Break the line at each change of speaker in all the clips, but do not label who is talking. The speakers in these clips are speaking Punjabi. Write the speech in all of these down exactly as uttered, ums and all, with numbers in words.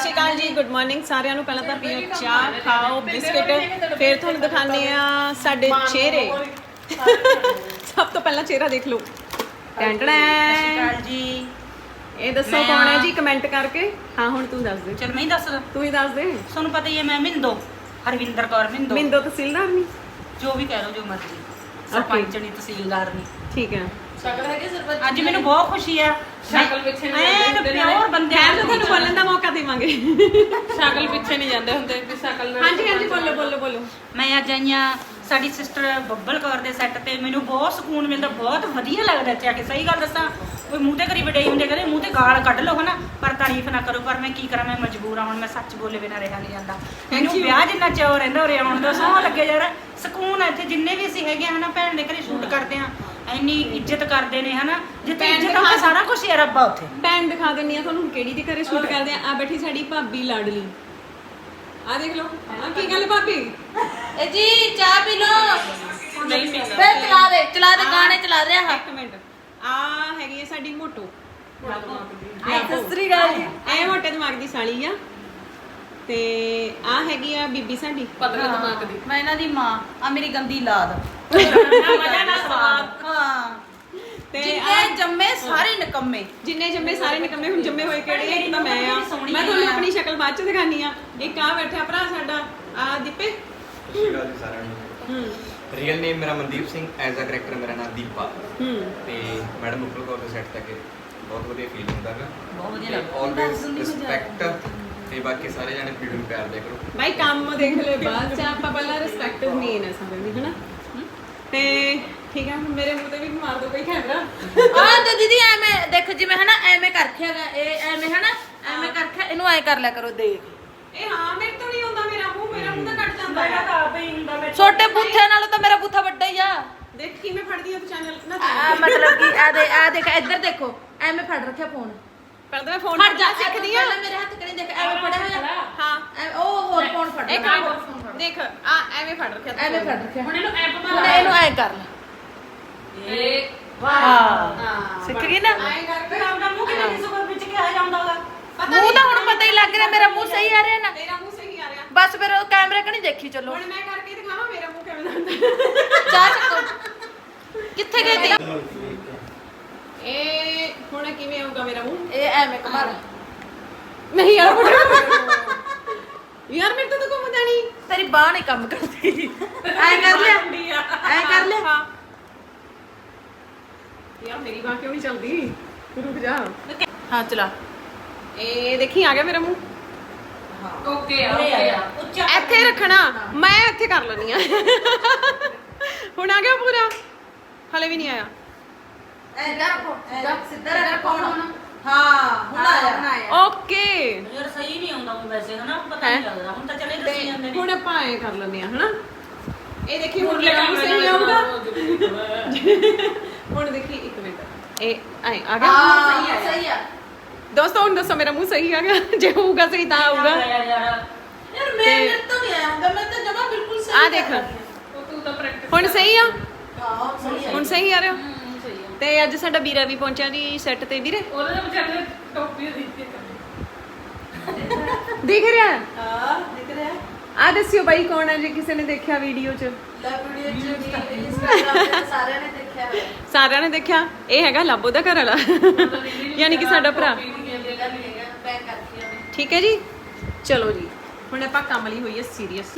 ਸ਼੍ਰੀ ਅਕਾਲ ਜੀ, ਗੁੱਡ ਮਾਰਨਿੰਗ ਸਾਰਿਆਂ ਨੂੰ। ਪਹਿਲਾਂ ਤਾਂ ਪੀਓ ਚਾਹ, ਖਾਓ ਬਿਸਕਿਟ, ਫਿਰ ਤੁਹਾਨੂੰ ਦਿਖਾਉਂਦੇ ਆ ਸਾਡੇ ਚਿਹਰੇ। ਸਭ ਤੋਂ ਪਹਿਲਾਂ ਚਿਹਰਾ ਦੇਖ ਲਓ। ਟੈਂਟਣਾ
ਜੀ,
ਇਹ ਦੱਸੋ ਕੌਣ ਹੈ ਜੀ, ਕਮੈਂਟ ਕਰਕੇ। ਹਾਂ ਹੁਣ ਤੂੰ ਦੱਸ ਦੇ।
ਚਲ ਮੈਂ ਹੀ ਦੱਸ ਦਾਂ,
ਤੂੰ ਹੀ ਦੱਸ ਦੇ।
ਤੁਹਾਨੂੰ ਪਤਾ ਹੀ ਹੈ ਮੈਂ ਮਿੰਦੋ, ਹਰਵਿੰਦਰ ਕੌਰ ਮਿੰਦੋ।
ਮਿੰਦੋ ਤਹਿਸੀਲਦਾਰ ਨਹੀਂ,
ਜੋ ਵੀ ਕਹਿ ਲਓ, ਜੋ ਮਰਜ਼ੀ, ਸਰਪੰਚ ਨਹੀਂ, ਤਹਿਸੀਲਦਾਰ ਨਹੀਂ।
ਠੀਕ ਹੈ।
ਸ਼ਕਲ ਹੈਗੀ ਸਰਪੰਚ।
ਅੱਜ ਮੈਨੂੰ ਬਹੁਤ ਖੁਸ਼ੀ ਆ।
ਸ਼ਕਲ ਪਿੱਛੇ ਨਹੀਂ
ਐਨ
ਜਾਂਦੇ
ਪਿਓਰ ਬੰਦੇ
ਖੈਰ ਤਾਂ ਤੁਹਾਨੂੰ ਬੋਲਣ ਦਾ ਮੌਕਾ ਦੇਵਾਂਗੇ।
ਸ਼ਕਲ ਪਿੱਛੇ ਨਹੀਂ ਜਾਂਦੇ ਹੁੰਦੇ ਵੀ ਸ਼ਕਲ ਨਾਲ।
ਹਾਂਜੀ ਹਾਂਜੀ ਬੋਲੋ ਬੋਲੋ ਬੋਲੋ।
ਮੈਂ ਅੱਜ ਆਈਆਂ ਸਾਡੀ ਸਿਸਟਰ ਬੱਬਲ ਕੌਰ ਦੇ ਸੈੱਟ ਤੇ। ਮੈਨੂੰ ਬਹੁਤ ਸਕੂਨ ਮਿਲਦਾ, ਬਹੁਤ ਵਧੀਆ ਲੱਗਦਾ ਇੱਥੇ ਆ ਕੇ। ਸਹੀ ਗੱਲ ਦੱਸਾਂ, ਕੋਈ ਮੂੰਹ ਤੇ ਕਰੀ ਵਡਾਈ ਹੁੰਦੇ, ਕਹਿੰਦੇ ਮੂੰਹ ਤੇ ਗਾਲ ਕੱਢ ਲਓ ਹਨਾ, ਪਰ ਤਾਰੀਫ ਨਾ ਕਰੋ। ਪਰ ਮੈਂ ਕੀ ਕਰਾਂ, ਮੈਂ ਮਜਬੂਰ ਆ। ਹੁਣ ਮੈਂ ਸੱਚ ਬੋਲੇ ਬਿਨਾਂ ਰਿਹਾ ਨਹੀਂ ਜਾਂਦਾ। ਮੈਨੂੰ ਵਿਆਹ ਜਿੰਨਾ ਚਾਅ ਰਹਿੰਦਾ ਉਰੇ ਆਉਣ ਦਾ, ਸੌਂ ਲੱਗੇ ਯਾਰ। ਸਕੂਨ ਆ ਇੱਥੇ। ਜਿੰਨੇ ਵੀ ਅਸੀਂ ਹੈਗੇ ਹਨਾ, ਭੈਣ ਦੇ ਘਰੇ ਸ਼ੂਟ ਕਰਦੇ ਆ, ਇੰਨੀ ਇੱਜ਼ਤ ਕਰਦੇ ਨੇ ਹਨਾ। ਜਿੱਥੇ ਇੱਜ਼ਤ ਆ ਸਾਰਾ ਕੁਝ ਹੈ ਰੱਬਾ ਉੱਥੇ।
ਭੈਣ ਦਿਖਾ ਦਿੰਨੀ ਆ ਤੁਹਾਨੂੰ ਕਿਹੜੀ ਦੇ ਘਰੇ ਸ਼ੂਟ ਕਰਦੇ ਆ। ਆ ਬੈਠੀ ਸਾਡੀ ਭਾਬੀ ਲਾਡਲੀ, ਆ ਦੇਖ ਲਓ। ਆ ਕੀ ਗੱਲ ਭਾਬੀ?
ਇਹ ਜੀ ਚਾਹ ਪੀ ਲਓ।
ਨਹੀਂ ਪੀਂਦਾ।
ਫਿਰ ਚਲਾ ਦੇ ਚਲਾ ਦੇ ਗਾਣੇ ਚਲਾ ਦੇ। ਆ
ਇੱਕ ਮਿੰਟ, ਆ ਹੈਗੀ ਆ ਸਾਡੀ ਮੋਟੋ।
ਸਤਿ ਸ੍ਰੀ ਅਕਾਲ ਜੀ।
ਇਹ ਮੋਟੇ ਦਿਮਾਗ ਦੀ ਸਾਲੀ ਆ। ਤੇ ਆ ਹੈਗੀ ਆ ਬੀਬੀ ਸਾਡੀ
ਪਤਲੇ ਦਿਮਾਗ ਦੀ। ਮੈਂ ਇਹਨਾਂ ਦੀ ਮਾਂ ਆ, ਮੇਰੀ ਗੰਦੀ ਲਾਦ।
ਮਜ਼ਾ ਨਾ ਸਵਾਦ।
ਹਾਂ,
ਤੇ
ਜਿੰਨੇ ਜੰਮੇ ਸਾਰੇ ਨਿਕੰਮੇ।
ਜਿੰਨੇ ਜੰਮੇ ਸਾਰੇ ਨਿਕੰਮੇ। ਹੁਣ ਜੰਮੇ ਹੋਏ ਕਿਹੜੇ? ਇੱਕ ਤਾਂ ਮੈਂ ਆ। ਮੈਂ ਤੁਹਾਨੂੰ ਆਪਣੀ ਸ਼ਕਲ ਬਾਅਦ ਚ ਦਿਖਾਨੀ ਆ। ਇੱਕ ਆ ਬੈਠਾ ਭਰਾ ਸਾਡਾ, ਆ ਦੀਪੇ।
ਸਤਿ ਸ਼੍ਰੀ ਅਕਾਲ ਜੀ ਸਾਰਿਆਂ ਨੂੰ।
ਹੂੰ
ਰੀਅਲ ਨੇਮ ਮੇਰਾ Mandeep Singh, as a character ਮੇਰਾ ਨਾਮ ਦੀਪਾ।
ਹੂੰ
ਤੇ ਮੈਡਮ ਉੱਪਰ ਕੌਰ ਦੇ ਸੈੱਟ ਤੱਕ ਬਹੁਤ ਵਧੀਆ ਫੀਲ ਹੁੰਦਾ ਹੈ।
ਬਹੁਤ ਵਧੀਆ ਲੱਗਦਾ।
Always respect. ਤੇ ਬਾਕੀ ਸਾਰੇ ਜਾਣੇ ਵੀਡੀਓ ਨੂੰ ਪਿਆਰ ਦਿਆ ਕਰੋ।
ਭਾਈ ਕੰਮ ਦੇਖ ਲੈ ਬਾਅਦ ਚ, ਆਪਾਂ ਪਹਿਲਾਂ ਰਿਸਪੈਕਟ ਮੇਨ ਹੈ ਸਾਰਿਆਂ ਦੀ, ਹਨਾ। ਤੇ ਠੀਕ ਹੈ, ਮੇਰੇ ਮੂੰਹ ਤੇ ਵੀ ਮਾਰ ਦੋ ਕੋਈ ਕੈਮਰਾ।
ਆ ਤੇ ਦੀਦੀ ਐਵੇਂ ਦੇਖ, ਜਿਵੇਂ ਹਨਾ ਐਵੇਂ ਕਰ ਰੱਖਿਆਗਾ ਇਹ, ਐਵੇਂ ਹਨਾ ਐਵੇਂ ਕਰ ਰੱਖਿਆ। ਇਹਨੂੰ ਐ ਕਰ ਲਿਆ ਕਰੋ, ਦੇਖ।
ਇਹ ਹਾਂ ਮੇਰੇ ਤੋਂ ਨਹੀਂ ਹੁੰਦਾ ਮੇਰਾ ਮੂੰਹ। ਮੇਰਾ ਮੂੰਹ ਤਾਂ ਕੱਟ ਜਾਂਦਾ
ਮੇਰਾ
ਹੈ।
ਤਾਂ ਆਪੇ ਹੀ ਹੁੰਦਾ। ਮੈਂ
ਛੋਟੇ ਬੂਥੇ ਨਾਲੋਂ ਤਾਂ ਮੇਰਾ ਬੂਥਾ ਵੱਡਾ ਹੀ ਆ।
ਦੇਖ ਕਿਵੇਂ ਫੜਦੀ ਆ ਤੂੰ ਚੈਨਲ ਨਾ।
ਆ ਮਤਲਬ ਕਿ ਆ ਦੇ ਆ ਦੇਖ, ਇੱਧਰ ਦੇਖੋ, ਐਵੇਂ ਫੜ ਰੱਖਿਆ ਫੋਨ।
ਪਹਿਲਾਂ ਮੈਂ ਫੋਨ
ਫੜ ਜਾ,
ਸਿੱਖਦੀ ਆ।
ਪਹਿਲਾਂ ਮੇਰੇ ਹੱਥ ਕਰੀ ਦੇਖ, ਐਵੇਂ ਫੜਿਆ ਹੋਇਆ।
ਹਾਂ
ਐ- ਉਹ ਹੋਰ ਫੋਨ ਫੜ
ਇੱਕ
ਲਿਆ।
ਮਿੰਟ ਦੇਖ, ਆ ਐਵੇਂ ਫੜ ਰੱਖਿਆ ਤੂੰ।
ਐਵੇਂ ਫੜ ਰੱਖਿਆ।
ਹੁਣ ਇਹਨੂੰ ਐਪ
ਹੁਣ ਇਹਨੂੰ ਐ ਕਰ ਲੈ।
ਇਹ
ਹਾਂ, ਸਿੱਖ ਗਈ ਨਾ।
ਐਂ ਕਰਕੇ
ਫਿਰ ਆਪਣਾ ਮੂੰਹ ਕਿਤੇ ਨਹੀਂ ਸੁਕਰ ਵਿੱਚ ਕਿਹਾ ਜਾਂਦਾਗਾ।
ਮੂੰਹ ਤਾਂ ਹੁਣ ਪਤਾ ਹੀ ਲੱਗ ਰਿਹਾ, ਮੇਰਾ ਮੂੰਹ ਸਹੀ ਆ ਰਿਹਾ ਨਾ।
ਤੇਰਾ ਮੂੰਹ ਸਹੀ ਆ ਰਿਹਾ।
ਬਸ ਫਿਰ ਉਹ ਕੈਮਰੇ ਕਣੀ ਦੇਖੀ ਚੱਲੋ।
ਹੁਣ ਮੈਂ ਕਰਕੇ ਦਿਖਾਵਾਂ ਮੇਰਾ ਮੂੰਹ ਕਿਵੇਂ ਦਾ ਹੁੰਦਾ।
ਚਾਹ ਚੱਕੋ। ਕਿੱਥੇ ਗਈ ਤੀ?
ਇਹ ਹੁਣ ਕਿਵੇਂ ਆਊਗਾ ਮੇਰਾ ਮੂੰਹ?
ਇਹ ਐਵੇਂ ਕਮਾਲ।
ਨਹੀਂ ਯਾਰ ਯਾਰ ਮੇਰੇ ਤੋਂ ਤਾਂ ਘੁੰਮਦਾ ਨਹੀਂ।
ਤੇਰੀ ਬਾਹ ਨਹੀਂ ਕੰਮ ਕਰਦੀ। ਐ ਕਰ ਲਿਆ, ਐ ਕਰ ਲਿਆ।
ਹਾਂ ਯਾਰ ਮੇਰੀ ਬਾਂਹ ਕਿਉਂ ਨਹੀਂ ਚੱਲਦੀ? ਤੂੰ ਰੁਕ ਜਾ।
ਹਾਂ ਚਲਾ।
ਇਹ ਦੇਖੀ ਆ ਗਿਆ ਮੇਰਾ ਮੂੰਹ।
ਓਕੇ ਆ ਓਕੇ ਆ ਉੱਚਾ
ਇੱਥੇ ਰੱਖਣਾ, ਮੈਂ ਇੱਥੇ ਕਰ ਲੈਣੀ ਆ। ਹੁਣ ਆ ਗਿਆ ਪੂਰਾ? ਹਲੇ ਵੀ ਨਹੀਂ ਆਇਆ।
ਐ ਰੱਖੋ, ਸਿੱਧਾ ਰੱਖੋ ਹੁਣ। ਹਾਂ, ਹੁਣ ਆਇਆ, ਹੁਣ ਆਇਆ।
ਓਕੇ
ਯਾਰ ਸਹੀ ਨਹੀਂ ਆਉਂਦਾ ਉਹ ਵੈਸੇ ਹਨਾ, ਪਤਾ ਨਹੀਂ ਲੱਗਦਾ। ਹੁਣ ਤਾਂ ਚਲੇ ਦੱਸੀ ਜਾਂਦੇ ਨੇ।
ਹੁਣ ਆਪਾਂ ਐ ਕਰ ਲੈਂਦੇ ਆ ਹਨਾ। ਇਹ ਦੇਖੀ ਹੁਣ ਮੇਰਾ ਮੂੰਹ ਸਹੀ ਆਊਗਾ। ਹੁਣ ਦੇਖੀ ਇੱਕ ਮਿੰਟ, ਇਹ ਐ ਆ ਗਿਆ।
ਹਾਂ, ਸਹੀ ਆ।
ਦੋਸਤੋ ਹੁਣ ਦੱਸੋ ਮੇਰਾ ਮੂੰਹ ਸਹੀ ਆ ਗਿਆ? ਜੇ ਹੋਊਗਾ ਸਹੀ ਤਾਂ ਆਊਗਾ।
ਯਾਰ
ਯਾਰ ਮੈਂ ਮੇਰੇ ਤੋਂ ਨਹੀਂ ਆਇਆ ਹੁੰਦਾ, ਮੈਂ ਤਾਂ ਜਮਾ ਬਿਲਕੁਲ ਸਹੀ।
ਆ ਦੇਖ
ਤੂੰ ਤਾਂ ਪ੍ਰੈਕਟਿਸ।
ਹੁਣ ਸਹੀ ਆ?
ਹਾਂ, ਸਹੀ ਆ।
ਹੁਣ ਸਹੀ ਆ ਰਿਹਾ।
ਸਹੀ ਆ।
ਤੇ ਅੱਜ ਸਾਡਾ ਵੀਰਾ ਵੀ ਪਹੁੰਚਿਆ ਜੀ ਸੈੱਟ ਤੇ। ਵੀਰੇ
ਉਹਦੇ ਨਾਲ ਵਿਚਾਰੇ ਨੇ ਟੋਪੀ ਦਿੱਤੀ।
ਦਿਖ ਰਿਹਾ?
ਹਾਂ, ਦਿਖ ਰਿਹਾ।
ਆ ਦੱਸਿਓ ਬਾਈ ਕੌਣ ਹੈ, ਜੇ ਕਿਸੇ ਨੇ ਦੇਖਿਆ ਵੀਡੀਓ 'ਚ।
ਲੈ ਵੀਡੀਓ ਚ ਇੰਸਟਾਗ੍ਰਾਮ ਤੇ ਸਾਰਿਆਂ ਨੇ ਦੇਖਿਆ ਹੋਇਆ।
ਸਾਰਿਆਂ ਨੇ ਦੇਖਿਆ। ਇਹ ਹੈਗਾ ਲਾਬੋ ਦਾ ਘਰ ਵਾਲਾ, ਯਾਨੀ ਕਿ ਸਾਡਾ ਭਰਾ।
ਪੈਕ ਕਰਤੀ ਉਹਨੇ।
ਠੀਕ ਹੈ ਜੀ, ਚਲੋ ਜੀ ਹੁਣ ਆਪਾਂ ਕੰਮ ਲਈ ਹੋਈ ਹੈ ਸੀਰੀਅਸ।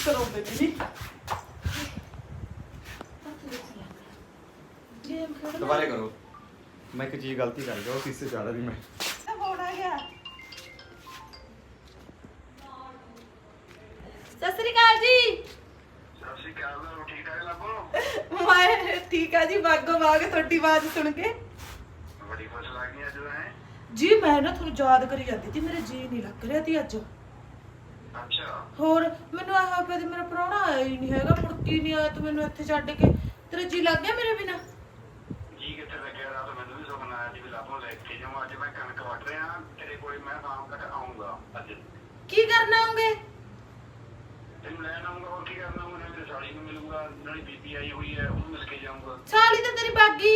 ਦੁਬਾਰੇ ਕਰੋ। ਮੈਂ ਇੱਕ ਚੀਜ਼ ਗਲਤੀ ਕਰ ਗਿਆ, ਉਹ ਕਿਸੇ ਚਾੜਾ ਦੀ ਮੈਂ।
ਸਤਿ ਸ੍ਰੀ ਅਕਾਲ ਜੀ।
ਸਤਿ ਸ਼੍ਰੀ ਅਕਾਲ, ਠੀਕ ਠਾਕ ਲੱਭੋ।
ਮੈਂ ਠੀਕ ਆ ਜੀ, ਬਾਗੋ ਬਾਗ ਤੁਹਾਡੀ ਆਵਾਜ਼ ਸੁਣ ਕੇ।
ਬੜੀ ਖੁਸ਼ ਲੱਗੀ ਅੱਜ ਹੈ।
ਜੀ ਮੈਂ ਨਾ ਤੁਹਾਨੂੰ ਯਾਦ ਕਰੀ ਜਾਂਦੀ ਸੀ, ਮੇਰੇ ਜੀ ਨਹੀਂ ਲੱਗ ਰਿਹਾ ਸੀ ਅੱਜ।
ਅੱਛਾ,
ਹੋਰ ਮੈਨੂੰ ਆਹ ਪਿਆ ਤੇ ਮੇਰਾ ਪ੍ਰਾਹੁਣਾ ਆਇਆ ਹੀ ਨਹੀਂ ਹੈਗਾ, ਮੁੜ ਕੇ ਨਹੀਂ ਆਇਆ ਤੂੰ ਮੈਨੂੰ ਇੱਥੇ ਛੱਡ ਕੇ। ਤੇਰਾ ਜੀ ਲੱਗ ਗਿਆ ਮੇਰੇ ਬਿਨਾ?
ਜੀ ਕਿੱਥੇ ਲੱਗਿਆ? ਰਾਤ ਮੈਨੂੰ ਵੀ ਸੁਪਨਾ ਆਇਆ ਸੀ ਵੀ ਲੱਭੋ ਲੈ ਕੇ ਜਾਵਾਂ। ਅੱਜ ਮੈਂ ਕਣਕ ਵੱਢ ਰਿਹਾ, ਤੇਰੇ ਕੋਲ ਮੈਂ ਸ਼ਾਮ ਤੱਕ ਆਉਂਗਾ। ਅੱਜ
ਕੀ ਕਰਨ ਆਉਂਗੇ?
ਤੈਨੂੰ ਲੈਣ ਆਉਂਗਾ। ਹੋਰ ਕੀ ਕਰਨਾ? ਮੈਂ ਮੇਰੇ ਸਾਲੀ ਨੂੰ ਮਿਲੂੰਗਾ, ਨਾਲੇ ਬੀਬੀ ਆਈ ਹੋਈ ਹੈ, ਉਹਨੂੰ ਮਿਲ ਕੇ ਜਾਊਂਗਾ।
ਸਾਲੀ ਤਾਂ ਤੇਰੀ ਬਾਗੀ।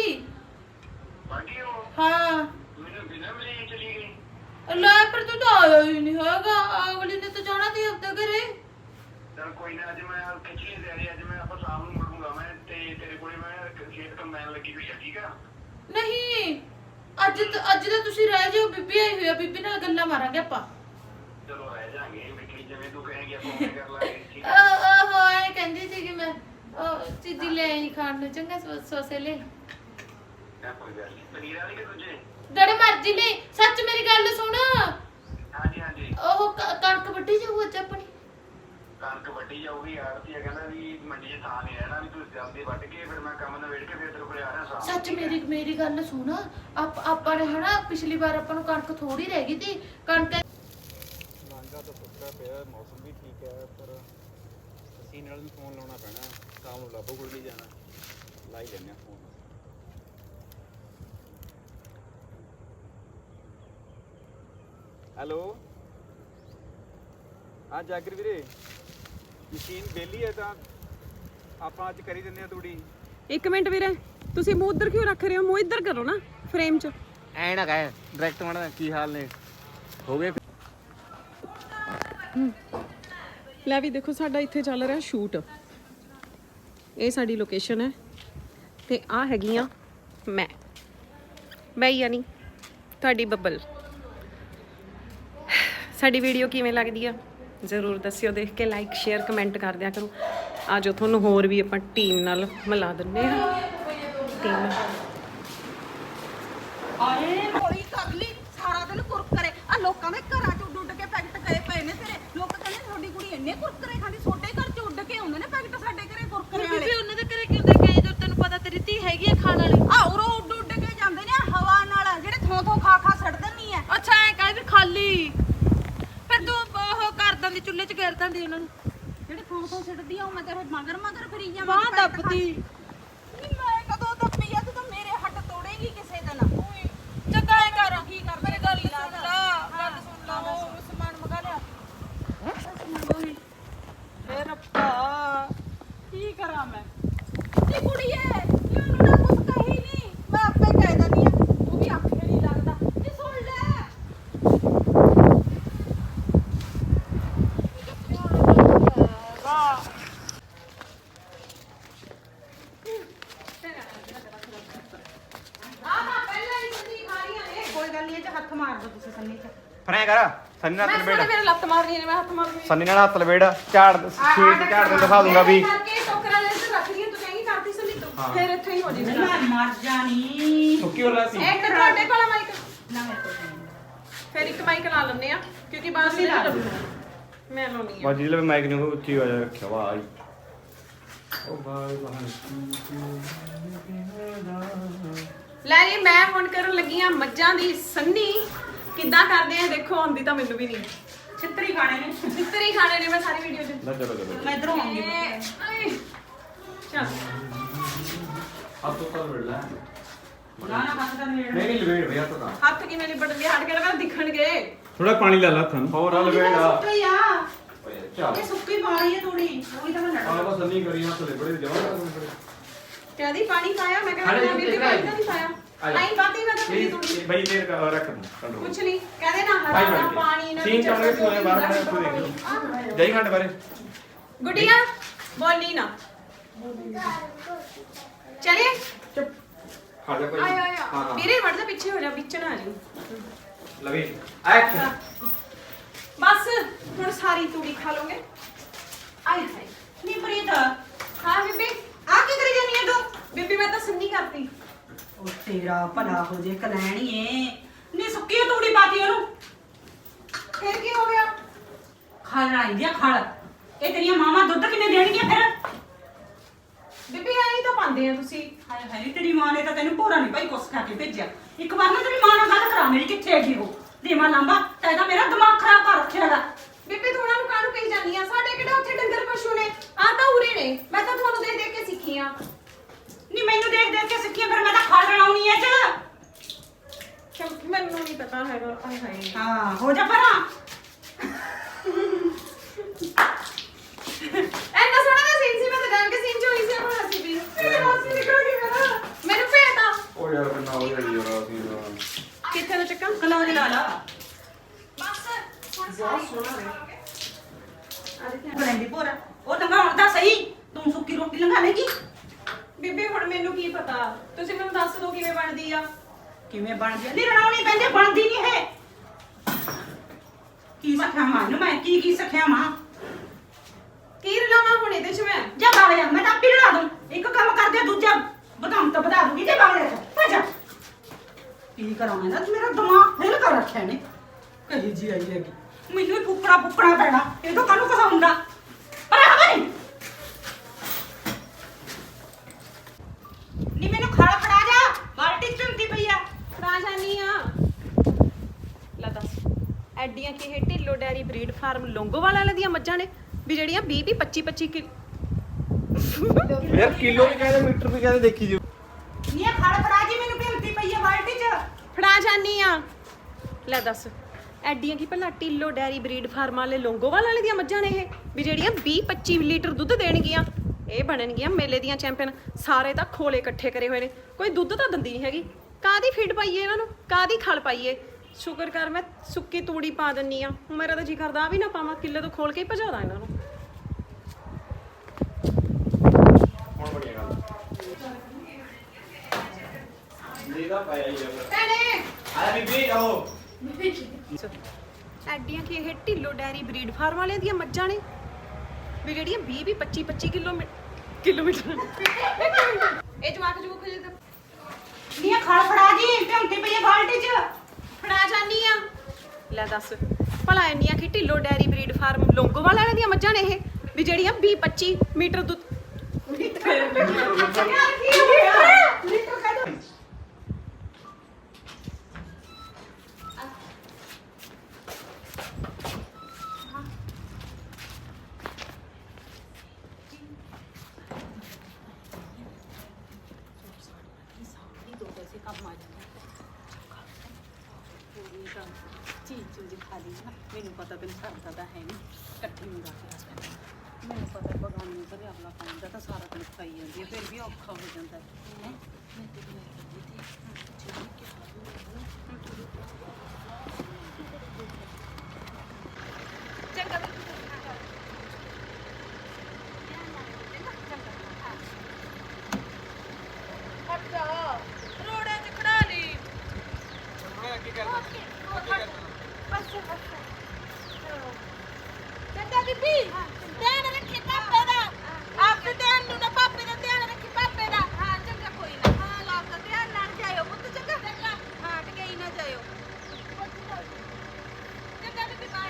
ਬਾਕੀ ਉਹ
ਹਾਂ,
ਮੈਨੂੰ ਬਿਨਾਂ ਮਿਲੇ ਹੀ ਚਲੀ ਗਈ।
ਲੈ ਪਰ ਤੂੰ ਤਾਂ ਆਇਆ ਹੀ ਨਹੀਂ ਹੈਗਾ।
ਕੋਈ ਨਾ ਅੱਜ ਮੈਂ ਖਿੱਚ ਲਈ ਤਿਆਰੀ ਅੱਜ ਮੈਂ ਆਪਾਂ ਸ਼ਾਮ ਨੂੰ ਮੁੜੂੰਗਾ ਮੈਂ ਤੇ ਤੇਰੇ ਕੋਲੇ ਮੈਂ ਖੇਤ ਕੰਬਾਈਨ ਲੱਗੀ ਹੋਈ ਆ ਠੀਕ ਆ
ਨਹੀਂ ਅੱਜ ਤਾਂ- ਅੱਜ ਤਾਂ ਤੁਸੀਂ ਰਹਿ ਜਾਓ ਬੀਬੀ ਆਈ ਹੋਈ ਆ ਬੀਬੀ ਨਾਲ ਗੱਲਾਂ ਮਾਰਾਂਗੇ ਆਪਾਂ
ਚਲੋ ਰਹਿ ਜਾਾਂਗੇ ਮਿੱਠੀ ਜਿਵੇਂ ਤੂੰ ਕਹੇਂਗੀ ਆਪਾਂ ਉਵੇਂ ਕਰ ਲਾਂਗੇ ਠੀਕ
ਉਹ
ਆ
ਉਹ ਹੋਏ ਕਹਿੰਦੀ ਸੀ ਕਿ ਮੈਂ ਉਹ ਚੀਜ਼ੀ ਲੈ ਆਈ ਖਾਣ ਨੂੰ ਚੰਗਾ ਸੋ- ਸੋਸੇ ਲੈ
ਮੈਂ ਕੋਈ ਗੱਲ ਨਹੀਂ ਪਨੀਰ ਵਾਲੀ ਕਿ ਦੂਜੇ
ਜਿਹੜੇ ਮਰਜ਼ੀ ਲੈ ਸੱਚ ਮੇਰੀ ਗੱਲ ਸੁਣ
ਹਾਂਜੀ ਹਾਂਜੀ
ਉਹ ਕ- ਕਣਕ ਵੱਢੀ ਜਾਊ ਅੱਜ ਆਪਣੀ
ਕਣਕ ਵੱਢੀ ਜਾਊਗੀ ਆੜਤੀ ਕਹਿੰਦਾ ਵੀ ਮੰਡੀ 'ਚ ਥਾਂ ਨਹੀਂ ਰਹਿਣਾ ਵੀ ਤੂੰ ਜਲਦੀ ਵੱਢ ਕੇ ਫਿਰ ਮੈਂ ਕੰਮ ਨਵੇੜ ਕੇ ਫਿਰ ਤੇਰੇ ਕੋਲੇ ਆ ਰਿਹਾ ਸਾਂ
ਸੱਚ ਮੇਰੀ ਮੇਰੀ ਗੱਲ ਸੁਣ ਆਪ ਆਪਾਂ ਨੇ ਹਨਾ ਪਿਛਲੀ ਵਾਰ ਆਪਾਂ ਨੂੰ ਕਣਕ ਥੋੜੀ ਰਹਿ ਗਈ ਸੀ ਕਣਕ
ਲਾਂਘਾ ਤਾਂ ਸੁੱਕਾ ਪਿਆ ਮੌਸਮ ਵੀ ਠੀਕ ਹੈ ਪਰ ਅਸੀਂ ਨਾਲ ਵੀ ਫੋਨ ਲਾਉਣਾ ਪੈਣਾ ਸ਼ਾਮ ਨੂੰ ਲਾਭੋ ਕੋਲ ਵੀ ਜਾਣਾ ਲਾ ਹੀ ਲੈਂਦੇ ਹਾਂ ਫੋਨ ਹੈਲੋ ਹਾਂ ਜਾਗਰ ਵੀਰੇ ਮਸ਼ੀਨ ਵਿਹਲੀ ਹੈ ਤਾਂ ਆਪਾਂ ਅੱਜ ਕਰੀ ਦਿੰਦੇ ਆ ਤੂੜੀ
ਇੱਕ ਮਿੰਟ ਵੀਰੇ ਤੁਸੀਂ ਮੂੰਹ ਉੱਧਰ ਕਿਉਂ ਰੱਖ ਰਹੇ ਹੋ ਮੂੰਹ ਇੱਧਰ ਕਰੋ ਨਾ ਫਰੇਮ 'ਚ
ਐ ਨਾ ਕਹੇ ਡਾਇਰੈਕਟ ਮਾਣਾ ਕੀ ਹਾਲ ਨੇ ਹੋ ਗਏ
ਲੈ ਵੀ ਦੇਖੋ ਸਾਡਾ ਇੱਥੇ ਚੱਲ ਰਿਹਾ ਸ਼ੂਟ ਇਹ ਸਾਡੀ ਲੋਕੇਸ਼ਨ ਹੈ ਤੇ ਆ ਹੈਗੀਆਂ ਮੈਂ ਮੈਂ ਯਾਨੀ ਤੁਹਾਡੀ ਬੱਬਲ ਸਾਡੀ ਵੀਡੀਓ ਕਿਵੇਂ ਲੱਗਦੀ ਆ ਜ਼ਰੂਰ ਦੱਸਿਓ ਦੇਖ ਕੇ ਲਾਈਕ ਸ਼ੇਅਰ ਕਮੈਂਟ ਕਰ ਦਿਆ ਕਰੋ ਆ ਜੋ ਤੁਹਾਨੂੰ ਹੋਰ ਵੀ ਆਪਾਂ ਟੀਮ ਨਾਲ ਮਿਲਾ ਦਿੰਦੇ ਆ ਟੀਮ
ਆਏ
ਹੌਲੀ ਕਰ ਲਈ ਸਾਰਾ ਦਿਨ ਕੁਰਕਰੇ ਆ ਲੋਕਾਂ ਦੇ ਘਰਾਂ ਚ ਉੱਡ ਉੱਡ ਕੇ ਪੈਕਟ ਗਏ ਪਏ ਨੇ ਤੇਰੇ ਲੋਕ ਕਹਿੰਦੇ ਤੁਹਾਡੀ ਕੁੜੀ ਇੰਨੇ ਕੁਰਕਰੇ ਖਾਂਦੀ ਛੋਟੇ ਘਰ ਚ ਉੱਡ ਕੇ ਆਉਂਦੇ ਨੇ ਪੈਕਟ ਸਾਡੇ ਘਰੇ ਕੁਰਕਰੇ ਵਾਲੇ
ਬੀਬੀ ਉਹਨਾਂ ਦੇ ਘਰੇ ਕਿਉਂ ਦੇ ਕੇ ਜਦੋਂ ਤੈਨੂੰ ਪਤਾ ਤੇਰੀ ਧੀ ਹੈਗੀ ਆ ਖਾਣ ਵਾਲੀ
ਆ ਉਰੋਂ ਉੱਡ ਉੱਡ ਕੇ ਜਾਂਦੇ ਨੇ ਹਵਾ ਨਾਲ ਜਿਹੜੇ ਥੋਂ ਥੋਂ ਖਾ ਖਾ ਸੜ ਦਿੰਨੀ ਐ
ਅੱਛਾ ਐ ਕਹਿ ਵੀ ਖਾਲੀ ਫਿਰ ਤੂੰ ਉਹ ਕਰ ਦਿੰਦੀ ਚੁੱਲ੍ਹੇ 'ਚ ਗੇਰ ਦਿੰਦੀ ਉਹਨਾਂ ਨੂੰ
ਜਿਹੜੇ ਥੋਂ ਥੋਂ ਸਿੱਟਦੀ ਆ ਉਹ ਮੈਂ ਤੇਰੇ ਮਗਰ ਮਗਰ ਫਿਰੀ ਜਾਵਾਂ
ਬਾਂਹ ਦੱਬਦੀ
ਨਹੀਂ ਮੈਂ ਕਦੋਂ ਦੱਬੀ ਆ ਤੂੰ ਤਾਂ ਮੇਰੇ ਹੱਡ ਤੋੜੇਗੀ ਕਿਸੇ ਦਿਨ
ਚੰਗਾ ਐ ਕਰ
ਕੀ ਕਰ
ਮੇਰੀ ਗੱਲ ਸੁਣ ਲਾ ਗੱਲ ਸੁਣ ਲਾ ਉਹ ਸਮਾਨ ਮੰਗਾ ਲਿਆ
ਏ ਰੱਬਾ ਕੀ ਕਰਾਂ ਮੈਂ ਨੀ ਕੁੜੀਏ ਨੀ ਉਹਨੂੰ ਨਾ ਕੁਛ ਕਹੀ ਨਹੀਂ ਮੈਂ ਆਪੇ ਕਹਿ ਦਿੰਦੀ ਆ ਉਹ ਵੀ ਆਖੇ ਨਹੀਂ ਲੱਗਦਾ ਨੀ ਸੁਣ ਲੈ
ਕੋਈ ਗੱਲ ਨਹੀਂ ਇਹ 'ਚ ਹੱਥ ਮਾਰ ਦੋ ਤੁਸੀਂ ਸੰਨੀ 'ਚ
ਫਰੇ ਕਰ ਸੰਨੀ ਨਾਲ
ਮੈਂ
ਲਵੇੜ
ਮੇਰੇ ਲੱਤ ਮਾਰਨੀ ਨੇ ਮੈਂ ਹੱਥ ਮਾਰਨੀ
ਸੰਨੀ ਨਾਲ ਹੱਥ ਲਵੇੜ ਝਾੜ ਸ਼ੀਟ ਝਾੜ ਦੇ ਦਿਖਾ ਦੂੰਗਾ ਵੀ
ਕਰਕੇ ਟੋਕਰਾ ਲੈ ਕੇ ਰੱਖ ਰਹੀ ਤੂੰ ਕਹੇਂਗੀ ਕਰਤੀ ਸੰਨੀ ਤੂੰ ਫਿਰ ਇੱਥੇ ਹੀ ਹੋ ਜੀ
ਮੈਂ ਮਰ ਜਾਣੀ
ਸੁੱਕੀ ਹੋ ਰਿਹਾ ਸੀ
ਇੱਕ ਤੁਹਾਡੇ ਕੋਲ ਮਾਈਕ
ਨਾ ਮੇਰੇ ਕੋਲ ਨਹੀਂ।
ਫਿਰ ਇੱਕ ਮਾਈਕ ਲਾ ਲੈਂਦੇ ਆ ਕਿਉਂਕਿ ਬਾਅਦ ਵਿੱਚ
ਲਾ ਲਓ।
ਮੈਂ ਲਾਉਣੀ ਆ
ਬਾਜੀ ਲਵੇ ਮਾਈਕ ਨੂੰ ਉੱਚੀ ਹੋ ਜਾ ਰੱਖਿਆ ਵਾਹ ਉਹ ਬਾਈ ਬਾਹਰ
ਲੈ ਜੀ ਮੈਂ ਹੁਣ ਕਰਨ ਲੱਗੀ ਆ ਮੱਝਾਂ ਦੀ ਸੰਨੀ ਕਿੱਦਾਂ ਕਰਦੇ ਆ ਦੇਖੋ ਆਉਂਦੀ ਤਾਂ ਮੈਨੂੰ ਵੀ ਨਹੀਂ
ਛਿੱਤਰੀ ਖਾਣੇ ਨੇ
ਚਿੱਤਰੀ ਖਾਣੇ ਨੇ ਮੈਂ ਸਾਰੀ ਵੀਡੀਓ 'ਚ
ਨਾ ਚਲੋ ਚਲੋ
ਮੈਂ ਇਧਰੋਂ ਆਉਂਗੀ
ਆਏ, ਚੱਲ
ਹੱਥ ਉੱਪਰ ਲਵੇੜ ਲੈ
ਨਾ ਨਾ ਹੱਥ ਦਾ ਨੇੜ
ਨਹੀਂ ਨਹੀਂ ਲਵੇੜ ਭਈਆ ਤਾਂ
ਹੱਥ ਕਿਵੇਂ ਲਿਬੜਨਗੇ ਹਟ ਕੇ ਲਗਾ ਦਿਖਣਗੇ
ਥੋੜਾ ਪਾਣੀ ਲਾ ਲਾ ਥਨ
ਹੋਰ ਆ ਲਵੇੜ ਆ
ਸੁੱਕੀ ਆ
ਓਏ ਚੱਲ
ਇਹ ਸੁੱਕੀ ਪਾ ਰਹੀ ਹੈ ਥੋੜੀ ਥੋੜੀ ਤਾਂ ਮੈਂ ਲੜ
ਆ ਬਸ ਸੰਨੀ ਕਰੀ ਹੱਥ ਲਵੇੜ ਜਮਾ ਕਰ
ਕਹਿੰਦੀ ਪਾਣੀ ਪਾਇਆ ਮੈਂ
ਹਾਲੇ
ਕਹਿੰਦਾ
ਜੀ
ਬੀਬੀ
ਦੇਖਾ
ਪਾਣੀ ਤਾਂ ਨਹੀਂ ਪਾਇਆ
ਆਇਆ।
ਨਹੀਂ ਪਾਤੀ ਮੈਂ ਤਾਂ ਪੀਲੀ ਤੋੜੀ
ਇਹ ਬਈ ਤੇਰੇ ਕਾ ਰੱਖ ਦੂੰ ਕੰਟਰੋਲ
ਕੁਛ ਨਹੀਂ ਕਹਿੰਦੇ ਨਾ
ਭਾਈ
ਹਰਾ
ਬਣ ਕੇ।
ਪਾਣੀ ਨਾ
ਸੀਨ ਚਾਹੁੰਦੇ ਸੋਏ ਬਾਹਰ ਖੜੇ ਉੱਥੇ ਦੇਖ ਲਓ ਜਾਈ ਖੰਡ ਬਾਰੇ
ਗੁੱਡੀਆ ਬੋਲੀ ਨਾ ਚਲਿਏ
ਚੁੱਪ ਖੜ ਜਾ ਭਾਈ
ਆਇਆ ਆਇਆ
ਹਾਂ ਹਾਂ
ਵੀਰੇ ਵੜ ਜਾ ਪਿੱਛੇ ਹੋ ਜਾ ਵਿੱਚ ਨਾ ਆ ਜੀ
ਲਵੇ ਐਕਸ਼ਨ
ਬਸ ਹੁਣ ਸਾਰੀ ਤੂੜੀ ਖਾ ਲੋਗੇ ਆਏ ਹਾਏ
ਨਹੀਂ ਪ੍ਰੀਤ
ਹਾਂ ਬੀਬੀ ਆ ਕੀ ਕਰੀ ਜਾਨੀ ਹੈ ਤੂੰ ਬੀਬੀ ਮੈਂ ਤਾਂ ਸੰਨੀ ਕਰਤੀ
ਉਹ ਤੇਰਾ ਭਲਾ ਹੋ ਜੇ ਕਲੈਣੀਏ ਨਹੀਂ ਸੁੱਕੀ ਤੂੜੀ ਪਾਤੀ ਉਹਨੂੰ
ਫਿਰ ਕੀ ਹੋ ਗਿਆ
ਖਲ ਰਾਈ ਦੀ ਖਲ ਇਹ ਤੇਰੀਆਂ ਮਾਵਾਂ ਦੁੱਧ ਕਿੰਨੇ ਦੇਣਗੀਆਂ ਫਿਰ
ਬੀਬੀ ਐਂ ਤਾਂ ਪਾਉਂਦੇ ਆ ਤੁਸੀਂ
ਹਾਏ ਹਾਏ ਤੇਰੀ ਮਾਂ ਨੇ ਤਾਂ ਤੈਨੂੰ ਭੋਰਾ ਨਹੀਂ ਭਾਈ ਕੁਛ ਖਾ ਕੇ ਭੇਜਿਆ ਇੱਕ ਵਾਰ ਨਾ ਤੇਰੀ ਮਾਂ ਨਾਲ ਗੱਲ ਕਰਾ ਮੇਰੀ ਕਿੱਥੇ ਹੈਗੀ ਉਹ ਦੇਵਾ ਲਾਂਬਾ ਤੈਂ ਤਾਂ ਮੇਰਾ ਦਿਮਾਗ ਖਰਾਬ ਕਰ ਰੱਖਿਆ ਹੈਗਾ
ਬੀਬੀ ਤੂੰ ਉਹਨਾਂ ਨੂੰ ਕਾਹਨੂੰ ਕਹੀ ਜਾਂਦੀ ਆ ਸਾਡੇ ਕਿਹੜਾ ਉੱਥੇ ਡੰਗਰ ਪਸ਼ੂ ਨੇ ਆ ਤਾਂ ਉਰੇ ਨੇ ਮੈਂ ਤਾਂ ਤੁਹਾਨੂੰ ਦੇਖ ਦੇਖ ਕੇ ਸਿੱਖੀ ਆ
ਨਹੀਂ ਮੈਨੂੰ ਦੇਖ ਦੇਖ ਕੇ ਸਿੱਖੀਆਂ ਫਿਰ ਮੈਂ ਤਾਂ ਖਲ ਰਲਾਉਣੀ ਐ ਚ
ਕਿਉਂਕਿ ਮੈਨੂੰ ਨਹੀਂ ਪਤਾ ਹੈਗਾ ਆਏ ਹਾਏ
ਹਾਂ ਹੋ ਜਾ ਪਰਾਂ
ਐਨਾ ਸੋਹਣਾ ਦਾ ਸੀਨ ਸੀ ਮੈਂ ਤਾਂ ਜਾਣ ਕੇ ਸੀਨ ਚ ਹੋਈ ਸੀ ਆਪਣਾ ਹੱਸੀ ਵੀ ਮੇਰੇ ਹੱਸੀ ਨਿਕਲ ਗਈ ਮੇਰਾ ਮੈਨੂੰ ਭੇਜਦਾ
ਉਹ ਯਾਰ ਕਿੰਨਾ ਹੋ ਜਾਈ ਯਾਰ ਅਸੀਂ
ਕਿੱਥੇ ਦਾ ਚੱਕਾ
ਕਲੌਜ ਲਾ ਲਾ
ਬਸ ਹੁਣ ਸਾਰੀ ਸੋਹਣਾ
ਬਲੈਂਡੀ ਭੋਰਾ ਉਹ ਲੰਘਾਉਣ ਦਾ ਸਹੀ ਤੂੰ ਸੁੱਕੀ ਰੋਟੀ ਲੰਘਾ ਲੇਗੀ
ਬੀਬੀ ਹੁਣ ਮੈਨੂੰ ਕੀ ਪਤਾ, ਤੁਸੀਂ ਮੈਨੂੰ ਦੱਸ ਦਿਓ ਕਿਵੇਂ ਬਣਦੀ ਆ।
ਕਿਵੇਂ ਬਣਦੀ ਆ ਨਹੀਂ ਰਣਾਉਣੀ ਪੈਂਦੀ ਬਣਦੀ ਨਹੀਂ ਹੈ ਕੀ ਸਿੱਖਿਆ ਮਾਂ ਨੂੰ ਮੈਂ ਕੀ ਕੀ ਸਿੱਖਿਆ ਮਾਂ
ਕੀ ਰਲਾਵਾਂ ਹੁਣ ਇਹਦੇ ਚ ਮੈਂ?
ਜਾ ਬਾਗ ਜਾ ਮੈਂ ਤਾਂ ਆਪੇ ਲੜਾ ਦੂੰ ਇੱਕ ਕੰਮ ਕਰਦੇ ਦੂਜਾ ਬਦਾਮ ਤਾਂ ਵਧਾ ਦੂੰਗੀ ਤੇ ਬਾਗ ਜਾ ਭੱਜ ਕੀ ਕਰਾਂ ਮੈਂ ਨਾ ਮੇਰਾ ਦਿਮਾਗ ਫੇਲ ਕਰ ਰੱਖਿਆ ਨੇ ਕਹੀ ਜੀ ਆਈ ਹੈਗੀ ਮੈਨੂੰ ਹੀ ਫੁੱਕਣਾ ਫੁੱਕਣਾ ਪੈਣਾ ਇਹ ਤਾਂ ਕਾਹਨੂੰ ਕਸਾਉਂਦਾ ਪਰ ਹਵਾ ਨਹੀਂ ਨੀ ਮੈਨੂੰ ਖਾਲਾ ਫੜਾ ਜਾ ਬਾਲਟੀ ਚੁੰਦੀ ਪਈ ਆ
ਫੜਾ ਜਾਨੀ ਆ। ਲੈ ਦੱਸ ਐਡੀਆਂ ਕੀ ਇਹ Dhillon dairy breed farm Longowal ਵਾਲਿਆਂ ਦੀਆਂ ਮੱਝਾਂ ਨੇ ਵੀ ਜਿਹੜੀਆਂ ਵੀਹ ਵੀਹ ਪੱਚੀ ਪੱਚੀ ਕਿ
ਯਾਰ ਕਿਲੋ ਵੀ ਕਹਿੰਦੇ ਮੀਟਰ ਵੀ ਕਹਿੰਦੇ ਦੇਖੀ ਜੀ
ਨੀ ਇਹ ਖਾਲਾ ਫੜਾ ਜੀ ਮੈਨੂੰ ਭਿੰਦੀ ਪਈ ਆ ਬਾਲਟੀ ਚ
ਫੜਾ ਜਾਨੀ ਆ। ਲੈ ਦੱਸ ਐਡੀਆਂ ਕੀ ਭਲਾ ਢਿੱਲੋ ਡੈਰੀ ਬਰੀਡ ਫਾਰਮ ਵਾਲੇ ਲੋਂਗੋਵਾਲ ਵਾਲੇ ਦੀਆਂ ਮੱਝਾਂ ਨੇ ਇਹ ਵੀ ਜਿਹੜੀਆਂ ਵੀਹ ਪੱਚੀ ਲੀਟਰ ਦੁੱਧ ਦੇਣਗੀਆਂ। ਇਹ ਬਣਨਗੀਆਂ ਮੇਲੇ ਦੀਆਂ ਚੈਂਪੀਅਨ। ਸਾਰੇ ਤਾਂ ਖੋਲੇ ਇਕੱਠੇ ਕਰੇ ਹੋਏ ਨੇ, ਕੋਈ ਦੁੱਧ ਤਾਂ ਦਿੰਦੀ ਨਹੀਂ ਹੈਗੀ। ਕਾਹਦੀ ਫੀਡ ਪਾਈਏ ਇਹਨਾਂ ਨੂੰ, ਕਾਹਦੀ ਖਲ ਪਾਈਏ? ਸ਼ੁਕਰ ਕਰ ਮੈਂ ਸੁੱਕੀ ਤੂੜੀ ਪਾ ਦਿੰਨੀ ਆ। ਮੇਰਾ ਤਾਂ ਜੀ ਕਰਦਾ ਆ ਵੀ ਨਾ ਪਾਵਾਂ, ਕਿੱਲੇ ਤੋਂ ਖੋਲ ਕੇ ਹੀ ਭਜਾਦਾ ਇਹਨਾਂ ਨੂੰ।
ਹੁਣ ਬੜੀ ਗੱਲ ਨਹੀਂ ਦਾ ਪਾਇਆ ਹੀ ਆ
ਭੈਣੇ
ਆਇਆ ਬੀਬੀ ਆਓ
ਐਡੀਆਂ ਕੀ ਇਹ ਢਿੱਲੋ ਡੈਰੀ ਬਰੀਡ ਫਾਰਮ ਵਾਲਿਆਂ ਦੀਆਂ ਮੱਝਾਂ ਨੇ ਵੀ ਜਿਹੜੀਆਂ ਵੀਹ ਵੀਹ ਪੱਚੀ ਪੱਚੀ ਕਿਲੋ ਕਿਲੋਮੀਟਰ ਇਹ ਜਵਾਕ ਜੂਕ ਜੇ ਤਾਂ
ਨੀ ਇਹ ਖਾਲਾ ਫੜਾ ਜੀ ਭਿੰਦੀ ਪਈ ਆ ਬਾਲਟੀ ਚ
ਫੜਾ ਜਾਨੀ ਆ। ਲੈ ਦੱਸ ਭਲਾ ਇੰਨੀਆਂ ਕੀ Dhillon dairy breed farm Longowal ਵਾਲਿਆਂ ਦੀਆਂ ਮੱਝਾਂ ਨੇ ਇਹ ਵੀ ਜਿਹੜੀਆਂ ਵੀਹ ਪੱਚੀ ਮੀਟਰ ਦੁੱਧ
ਚੀਜ਼ ਚੂਜ਼ ਖਾ ਲਈ ਨਾ ਮੈਨੂੰ ਪਤਾ ਤੈਨੂੰ ਸਰਦਾ ਤਾਂ ਹੈ ਨਹੀਂ ਇਕੱਠੀ ਨੂੰ ਰੱਖ ਲੈ ਮੈਨੂੰ ਪਤਾ ਬਗਾਨੀ ਘਰੇ ਆਪਣਾ ਪਾਉਂਦਾ ਤਾਂ ਸਾਰਾ ਦਿਨ ਖਾਈ ਜਾਂਦੀ ਹੈ ਫਿਰ ਵੀ ਔਖਾ ਹੋ ਜਾਂਦਾ ਹੈ ਮੈਂ ਤੇ ਲੈ ਕੇ ਦਿੱਤੀ ਜਿਹੜੀ ਕਿ
ਚੰਗਾ
ਰੋੜੇ ਚ ਖੜਾ ਲਈ
ਮੈਂ ਕੀ ਕਰਦਾ
ਚੰਗਾ ਬੀਬੀ ਧਿਆਨ ਰੱਖੀ ਪਾਪੇ ਦਾ ਆਪਣੇ ਧਿਆਨ ਨੂੰ ਨਾ ਪਾਪੇ ਦਾ ਧਿਆਨ ਰੱਖੀ ਪਾਪੇ ਦਾ ਹਾਂ ਚੰਗਾ ਕੋਈ ਨਾ ਹਾਂ ਲਾਭ ਦਾ ਧਿਆਨ ਨਾਲ ਜਾਇਓ ਪੁੱਤ ਚੰਗਾ ਚੰਗਾ ਹਾਂ ਟਕਈ ਨਾ ਜਾਇਓ ਚੰਗਾ ਬੀਬੀ ਬਾਏ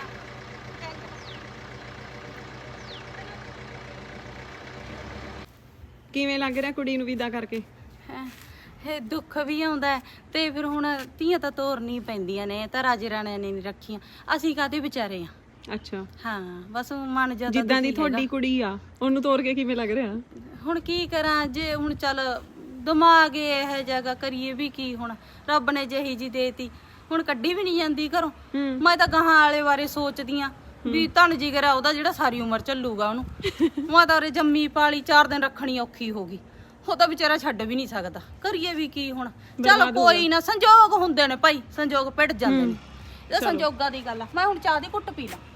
ਕਿਵੇਂ ਲੱਗ ਰਿਹਾ ਕੁੜੀ ਨੂੰ ਵਿਦਾ ਕਰਕੇ?
ਹੈਂ, ਇਹ ਦੁੱਖ ਵੀ ਆਉਂਦਾ ਹੈ ਤੇ ਫਿਰ ਹੁਣ ਧੀਆਂ ਤਾਂ ਤੋਰਨੀ ਪੈਂਦੀਆਂ ਨੇ, ਤਾਂ ਰਾਜੇ ਰਾਣਿਆਂ ਨੇ ਨਹੀਂ ਰੱਖੀਆਂ, ਅਸੀਂ ਕਾਹਦੇ ਵਿਚਾਰੇ ਆ।
ਅੱਛਾ
ਹਾਂ ਬਸ ਮਨ ਜਿਆਦਾ
ਜਿੱਦਾਂ ਦੀ ਤੁਹਾਡੀ ਕੁੜੀ ਆ ਉਹਨੂੰ ਤੋਰ ਕੇ ਕਿਵੇਂ ਲੱਗ ਰਿਹਾ?
ਹੁਣ ਕੀ ਕਰਾਂ ਜੇ ਹੁਣ ਚੱਲ ਦਿਮਾਗ ਇਹ ਜਗ੍ਹਾ ਕਰੀਏ ਵੀ ਕੀ, ਹੁਣ ਰੱਬ ਨੇ ਜਿਹੀ ਜੀ ਦੇਤੀ ਹੁਣ ਕੱਢੀ ਵੀ ਨਹੀਂ ਜਾਂਦੀ ਘਰੋਂ। ਮੈਂ ਤਾਂ ਗਾਹਾਂ ਵਾਲੇ ਬਾਰੇ ਸੋਚਦੀ ਆ ਵੀ ਧਨ ਜਿਗਰਾ ਉਹਦਾ ਜਿਹੜਾ ਸਾਰੀ ਉਮਰ ਚੱਲੂਗਾ ਉਹਨੂੰ। ਮੈਂ ਤਾਂ ਉਰੇ ਜੰਮੀ ਪਾਲੀ ਚਾਰ ਦਿਨ ਰੱਖਣੀ ਔਖੀ ਹੋ ਗਈ, ਉਹ ਤਾਂ ਵਿਚਾਰਾ ਛੱਡ ਵੀ ਨਹੀਂ ਸਕਦਾ, ਕਰੀਏ ਵੀ ਕੀ ਹੁਣ। ਚਲ ਕੋਈ ਨਾ, ਸੰਜੋਗ ਹੁੰਦੇ ਨੇ ਭਾਈ, ਸੰਜੋਗ ਪਿੱਟ ਜਾਂਦੇ ਨੇ, ਇਹ ਸੰਜੋਗਾਂ ਦੀ ਗੱਲ ਆ। ਮੈਂ ਹੁਣ ਚਾਹ ਦੀ ਘੁੱਟ ਪੀ ਲਾਂ।